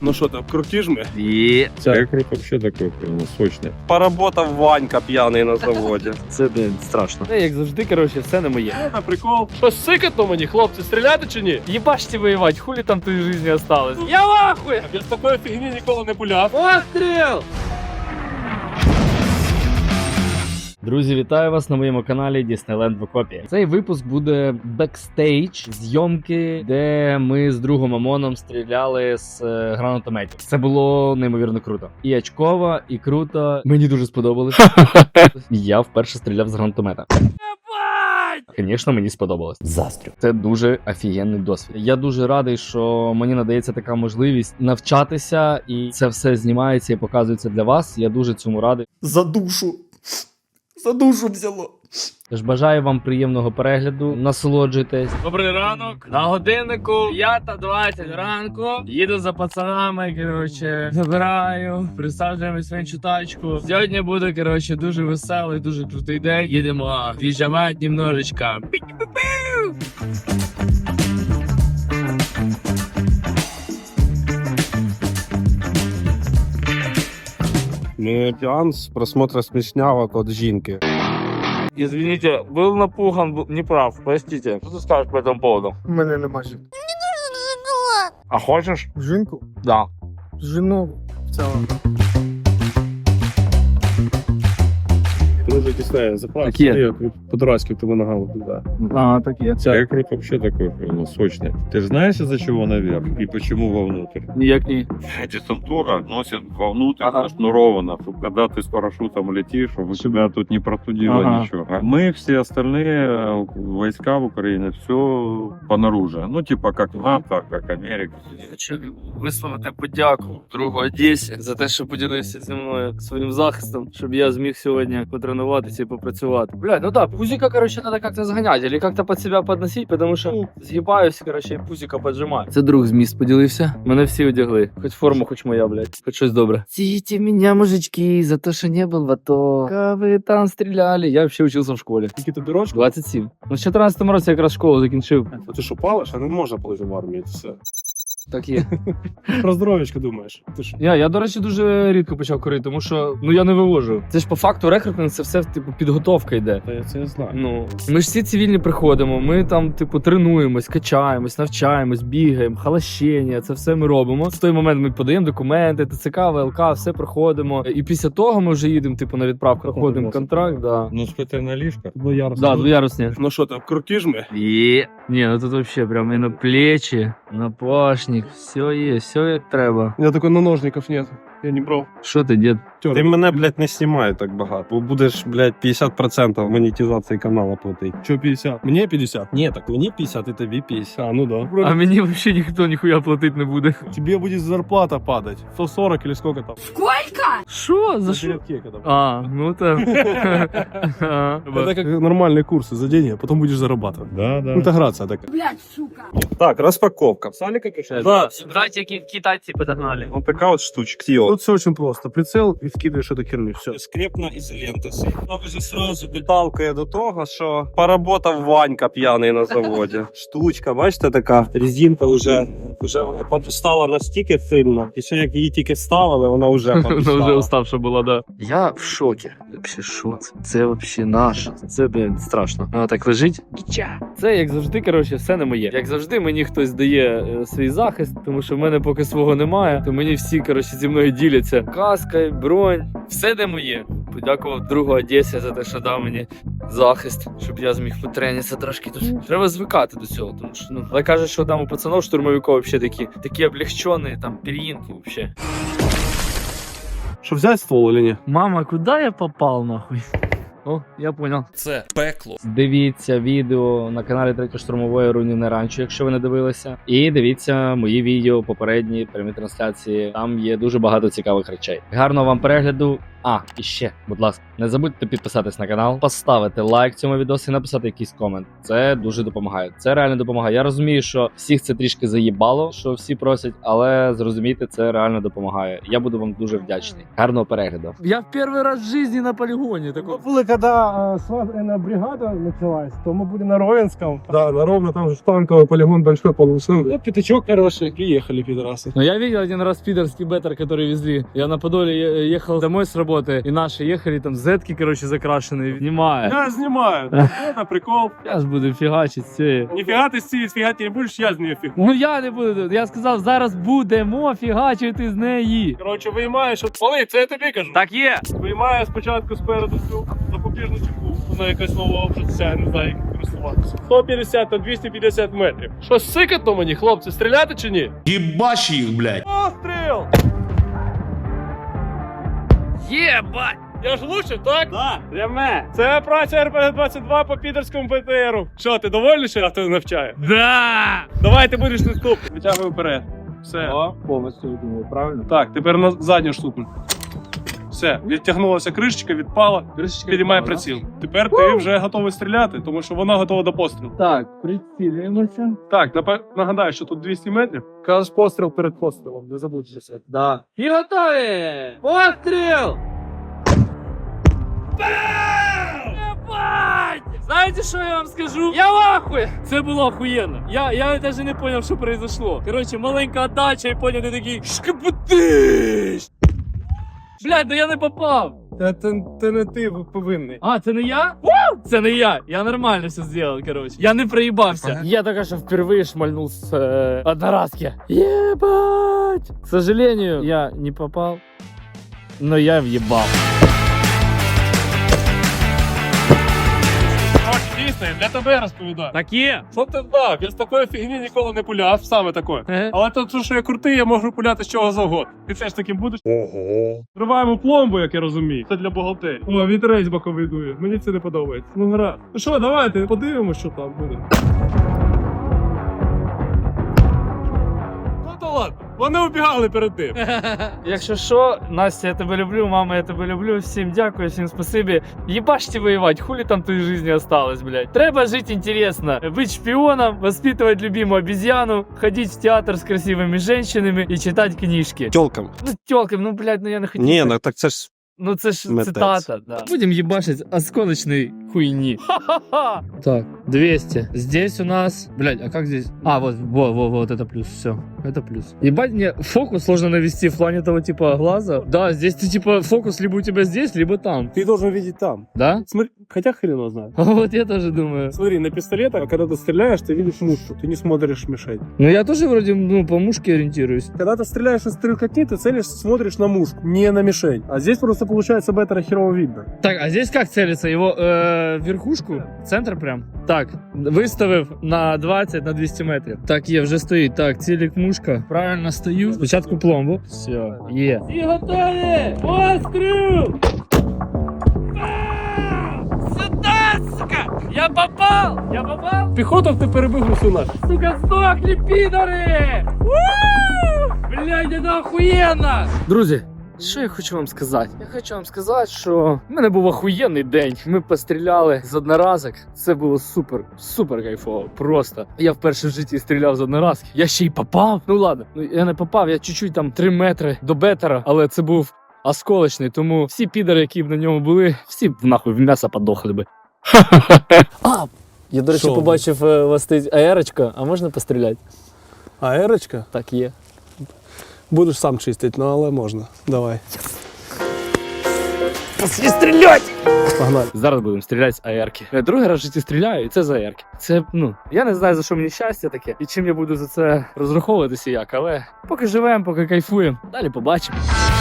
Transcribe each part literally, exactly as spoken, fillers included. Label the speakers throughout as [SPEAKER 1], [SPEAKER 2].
[SPEAKER 1] Ну что там, крутишь мы?
[SPEAKER 2] І
[SPEAKER 3] Це круто вообще такой, прям сочный.
[SPEAKER 1] Поработав Ванька п'яний на заводі.
[SPEAKER 2] це, блін, страшно.
[SPEAKER 4] Як завжди, коротше, все не моє.
[SPEAKER 1] На прикол.
[SPEAKER 4] Що, сикатно мені, хлопці, стріляти чи ні? Їбаште воювати, хулі там тої житті осталось. Я в ахуї!
[SPEAKER 1] Я з такої фігні ніколи не пуляв.
[SPEAKER 4] Постріл! Друзі, вітаю вас на моєму каналі Disneyland в окопі. Цей випуск буде бекстейдж зйомки, де ми з другом Амоном стріляли з е, гранатометів. Це було неймовірно круто. І очково, і круто. Мені дуже сподобалось. Я вперше стріляв з гранатомета. Звісно, мені сподобалось. Застрю. Це дуже офігенний досвід. Я дуже радий, що мені надається така можливість навчатися, і це все знімається і показується для вас. Я дуже цьому радий.
[SPEAKER 5] За душу. За душу взяло.
[SPEAKER 4] Тож бажаю вам приємного перегляду, насолоджуйтесь.
[SPEAKER 6] Добрий ранок. На годиннику п'ята двадцять ранку. Їду за пацанами, коротше, забираю, присаджуємось в іншу тачку. Сьогодні буде, коротше, дуже веселий, дуже крутий день. Їдемо віджимати немножечко.
[SPEAKER 1] Ну, сеанс просмотра смешнявок от жінки.
[SPEAKER 6] Извините, был напуган, был неправ, простите. Что ты скажешь по этому поводу?
[SPEAKER 5] У мене нема жінки.
[SPEAKER 6] А хочешь?
[SPEAKER 5] Жінку?
[SPEAKER 6] Да.
[SPEAKER 5] Жіну в цілому.
[SPEAKER 1] Дуже тісне, заправка.
[SPEAKER 4] Такі.
[SPEAKER 1] По-дурацьки в тебе ногами туди.
[SPEAKER 4] А, так є.
[SPEAKER 3] Це круто вообще такой, прям сочный. Ты же знаешь, из-за чего наверх и почему вовнутрь?
[SPEAKER 4] Ніяк ні.
[SPEAKER 3] Десантура носит вовнутрь,
[SPEAKER 4] Ага.
[SPEAKER 3] зашнуровано, чтобы когда ты с парашютом летишь, чтобы у тебя тут не простудило
[SPEAKER 4] Ага.
[SPEAKER 3] ничего. А мы все остальные э, войска в Украине, все понаружи. Ну, типа как НАТО, как Америка.
[SPEAKER 4] Хочу висловити подяку другу Одесі за те, що поділився зі мною своїм захистом, щоб я зміг сьогодні потренуватися і попрацювати. Блядь, ну так, пузика, короче, надо как-то сгонять или как-то под себя подносить, потому що згибаюсь, короче, і пузика поджимаю. Це друг з міст поділився. Мене всі одягли. Хоч форма, хоч моя, блядь. Хоч щось добре. Ците меня, мужички, за то, що не был в АТО. Как ви там стріляли? Я вообще учился в школі.
[SPEAKER 1] Скільки тобі рочку?
[SPEAKER 4] двадцять сім. Ну, в чотирнадцятому році якраз школу закінчив.
[SPEAKER 1] А ти що, палиш? А не можна палити в армії, це все.
[SPEAKER 4] Так є.
[SPEAKER 1] Про здоров'ячко думаєш. Ти ж
[SPEAKER 4] Я, я, до речі, дуже рідко почав курити, тому що ну я не вивожу. Це ж по факту рекрутинг, це все типу підготовка йде.
[SPEAKER 1] Та я це я знаю.
[SPEAKER 4] Ну ми ж всі цивільні приходимо. Ми там, типу, тренуємось, качаємось, навчаємось, бігаємо, халащення. Це все ми робимо. В той момент ми подаємо документи, ТЦК, ВЛК, все проходимо. І після того ми вже їдемо, типу, на відправку, проходимо контракт. Да.
[SPEAKER 3] Ну, спитай на ліжках.
[SPEAKER 1] Двоярусні.
[SPEAKER 4] Да, двоярусні.
[SPEAKER 1] Ну що там, крутиш ми?
[SPEAKER 4] Є. Ні, ну тут вообще прям і на плечі, на пашник, все є, все як треба.
[SPEAKER 1] У мене такой наножників нет. Я не брав.
[SPEAKER 4] Що ти, дід?
[SPEAKER 1] Ти мене, блядь, не знімай так багато. Бо будеш, блядь, п'ятдесят відсотків монетизації каналу платити. Що п'ятдесят? Мені п'ятдесят? Ні, так мені п'ятдесят і тобі п'ятдесят. А, ну да.
[SPEAKER 4] А мені вообще ніхто ніхуя платити не буде.
[SPEAKER 1] Тебе будет зарплата падать. сто сорок или сколько там?
[SPEAKER 4] Що? За що?
[SPEAKER 1] когда.
[SPEAKER 4] А, ну так.
[SPEAKER 1] Это как нормальные курсы за деньги, а потом будешь зарабатывать.
[SPEAKER 3] Да, да.
[SPEAKER 1] Интеграция такая. Блядь, сука. Так, распаковка. Салика качает? Да.
[SPEAKER 6] Братья китайцы подогнали.
[SPEAKER 1] Вот такая вот штучка. Тут все очень просто. Прицел и вкидываешь эту херню. Все. Скрепна ізолента. Ну, вже сразу підталкує до того, що поработав Ванька п'яний на заводі. Штучка, бачите, така резинка вже, вже подустала настільки сильно. І ще як її тільки ставили, вона вже
[SPEAKER 4] Вона вже
[SPEAKER 1] подустала.
[SPEAKER 4] уставша була, да. Я в шокі. Вообще, що це? Це вообще наше. Це, блін, страшно. Вона так лежить. Це, як завжди, коротше, все не моє. Як завжди, мені хтось дає е, свій захист, тому що в мене поки свого немає, то мені всі, коротше, зі мною діляться. Каска, бронь, все де моє. Подякував другу Одесі за те, що дав мені захист, щоб я зміг потренитися трошки тут. Треба звикати до цього, тому що, ну, але кажуть, що там у пацанов штурмовиків взагалі такі, такі облегчені, там, пір'їнки взагалі.
[SPEAKER 1] Що, взяти ствол или ні?
[SPEAKER 4] Мама, куди я попав, нахуй? О, я понял.
[SPEAKER 5] Це пекло.
[SPEAKER 4] Дивіться відео на каналі третьої штурмової Рунів не ранчо, якщо ви не дивилися. І дивіться мої відео, попередні прямі трансляції. Там є дуже багато цікавих речей. Гарного вам перегляду. А, і ще, будь ласка, не забудьте підписатись на канал, поставити лайк цьому відео і написати якийсь комент. Це дуже допомагає. Це реально допомагає. Я розумію, що всіх це трішки заїбало, що всі просять, але зрозумійте, це реально допомагає. Я буду вам дуже вдячний. Гарного перегляду. Я в перший раз в житті на полігоні. Такого.
[SPEAKER 1] Були,
[SPEAKER 2] когда свадебная бригада началась, то мы были на Ровенском. Да, на Ровно, там же танковый полигон большой полусыл. Ну, пятачок хороший, приехали пидорасы.
[SPEAKER 6] Но я видел один раз пидорский беттер, который везли. Я на Подоле е- ехал домой с работы, и наши ехали, там зетки, короче, закрашенные. Снимаю.
[SPEAKER 2] Я снимаю. Это прикол.
[SPEAKER 6] Я ж буду фігачить все.
[SPEAKER 2] Нифига ты с фигать не будешь, я с нее фиг.
[SPEAKER 6] Ну я не буду. Я сказав, зараз будемо фігачити з неї.
[SPEAKER 2] Короче, виймаєш, от Олег, це я тобі кажу.
[SPEAKER 6] Так є.
[SPEAKER 2] Виймаю спочатку спереду цю запобіжну чеку. Вона якась нова вже вся, я не знаю, як користуватися. сто п'ятдесят та двісті п'ятдесят метрів. Що, сикатно мені, хлопці, стріляти чи ні?
[SPEAKER 7] Ебашь их, блядь.
[SPEAKER 2] Постріл!
[SPEAKER 6] Єбать!
[SPEAKER 2] Я ж влучив, так? Так. Да. Це праця ар пе ге двадцять два по підерському бе те еру. Що, ти довольний, що я тебе навчаю?
[SPEAKER 6] Да!
[SPEAKER 2] Давай, ти будеш наступний. Витягуй вперед. Все.
[SPEAKER 1] О, повністю відмовив, правильно?
[SPEAKER 2] Так, тепер на задню штуку. Все, відтягнулася кришечка, відпала. Підіймай приціл. Тепер ти вже готовий стріляти, тому що вона готова до пострілу.
[SPEAKER 6] Так, прицілюємося.
[SPEAKER 2] Так, напе- нагадаю, що тут двісті метрів. Кажеш постріл перед пострілом, не забудьтеся.
[SPEAKER 6] Да. І готові! Постріл! Ебать! Знаете, что я вам скажу? Я в ахуе! Це було охуєнно. Я, я даже не понял, що произошло. Короче, маленька отдача, і понял, ти такий шкапутиш! Блядь, да я не попав!
[SPEAKER 2] Це, це не ти повинний.
[SPEAKER 6] А, це не я? Вау! Це не я. Я нормально все зробив, короче. Я не проїбався. Я только что впервые шмальнул с э, одноразки. Ебать! К сожалению, я не попал, но я въебал.
[SPEAKER 2] Дійсно, для тебе розповідаю.
[SPEAKER 6] Так є.
[SPEAKER 2] Що ти знав? Я з такої фігні ніколи не пуляв, саме такої. Але то, що я крутий, я можу пуляти з чого завгодно. Ти теж таким будеш? Ого. Зриваємо пломбу, як я розумію. Це для бухгалтерії. О, вітерець боковий дує. Мені це не подобається. Ну гра. Ну що, давайте подивимося, що там буде. Ну то ладно. Вони убігали перед тим.
[SPEAKER 6] Якщо що, Настя, я тебе люблю, мама, я тебе люблю. Всім дякую, всім спасибі. Ебашьте воевать, хули там твоей жизни осталось, блядь. Треба жить интересно, быть шпионом, воспитывать любимую обезьяну, ходить в театр с красивыми женщинами и читать книжки.
[SPEAKER 1] Тёлкам.
[SPEAKER 6] Ну, тёлкам, ну, блядь, ну я не хотів.
[SPEAKER 1] Ні, ну так це ж
[SPEAKER 6] Ну це ж
[SPEAKER 1] Митець.
[SPEAKER 6] цитата, да. Будем ебашить осколочной хуйни. Ха-ха-ха! Так, двести. Здесь у нас... Блядь, а как здесь? А, вот, вот, вот, вот, это плюс, все. Это плюс. Ебать, мне фокус сложно навести в плане того типа глаза. Да, здесь ты типа фокус либо у тебя здесь, либо там.
[SPEAKER 2] Ты должен видеть там.
[SPEAKER 6] Да?
[SPEAKER 2] Смотри, хотя хрен его знает.
[SPEAKER 6] Вот я тоже думаю.
[SPEAKER 2] Смотри, на пистолетах, когда ты стреляешь, ты видишь мушку, ты не смотришь в мишень.
[SPEAKER 6] Ну я тоже вроде, ну, по мушке ориентируюсь.
[SPEAKER 2] Когда ты стреляешь из стрелкотни, ты целишь, смотришь на мушку, не на мишень. А здесь просто получается беттера херово видно.
[SPEAKER 6] Так, а здесь как целиться? Его э, верхушку? Центр прям? Так, виставив на двадцять, на двісті метрів. Так, є, вже стоїть. Так, цілік мушка. Правильно стою. Спочатку пломбу. Все, є. І готові! Постріл! Сюда, сука! Я попал! Я попал!
[SPEAKER 2] Пехотов ты перебил усю нафиг.
[SPEAKER 6] Сука, сдохли, пидоры! Блядь, это охуєнно! Друзі, що я хочу вам сказати? Я хочу вам сказати, що в мене був охуєнний день. Ми постріляли з одноразок. Це було супер, супер кайфово. Просто. Я вперше в житті стріляв з одноразки. Я ще й попав. Ну ладно, ну я не попав, я чуть-чуть там три метри до беттера, але це був осколочний, тому всі підари, які б на ньому були, всі б нахуй в м'ясо подохли би. А, я, до речі,
[SPEAKER 2] Що?
[SPEAKER 6] побачив е, у вас стоїть аерочка, а можна постріляти?
[SPEAKER 2] А ерочка?
[SPEAKER 6] Так є.
[SPEAKER 2] Будеш сам чистити, ну але можна. Давай.
[SPEAKER 6] Пошли стрілять!
[SPEAKER 2] Погнали.
[SPEAKER 6] Зараз будемо стріляти з аерки. Я другий раз в житті стріляю, і це з аерки. Це, ну, я не знаю, за що мені щастя таке, і чим я буду за це розраховуватися як, але поки живемо, поки кайфуємо, далі побачимо.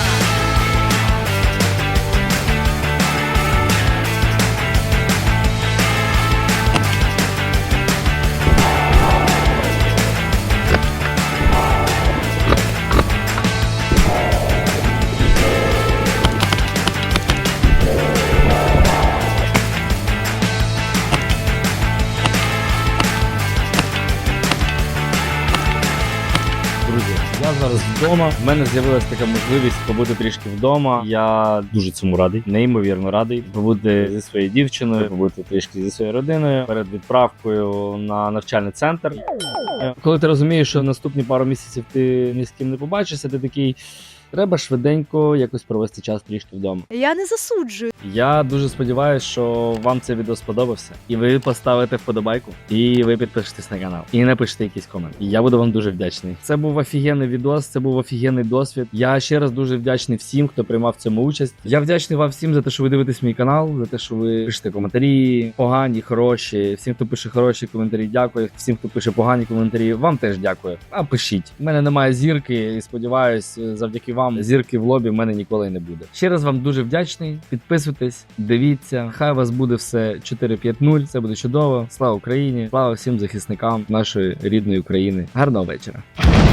[SPEAKER 6] Я зараз вдома. В мене з'явилася така можливість побути трішки вдома. Я дуже цьому радий, неймовірно радий. Побути зі своєю дівчиною, побути трішки зі своєю родиною перед відправкою на навчальний центр. Коли ти розумієш, що наступні пару місяців ти ні з ким не побачишся, ти такий.
[SPEAKER 4] Треба швиденько якось провести час трішки вдома.
[SPEAKER 7] Я не засуджую.
[SPEAKER 4] Я дуже сподіваюся, що вам це відео сподобався, і ви поставите вподобайку, і ви підпишетесь на канал, і напишете якийсь комент. І я буду вам дуже вдячний. Це був офігенний відос, це був офігенний досвід. Я ще раз дуже вдячний всім, хто приймав в цьому участь. Я вдячний вам всім за те, що ви дивитесь мій канал, за те, що ви пишете коментарі, погані, хороші. Всім, хто пише хороші коментарі, дякую. Всім, хто пише погані коментарі, вам теж дякую. А пишіть. У мене немає зірки, і сподіваюсь, завдяки вам зірки в лобі в мене ніколи не буде. Ще раз вам дуже вдячний. Підписуйтесь, дивіться. Хай у вас буде все чотири п'ять нуль. Це буде чудово. Слава Україні! Слава всім захисникам нашої рідної України. Гарного вечора.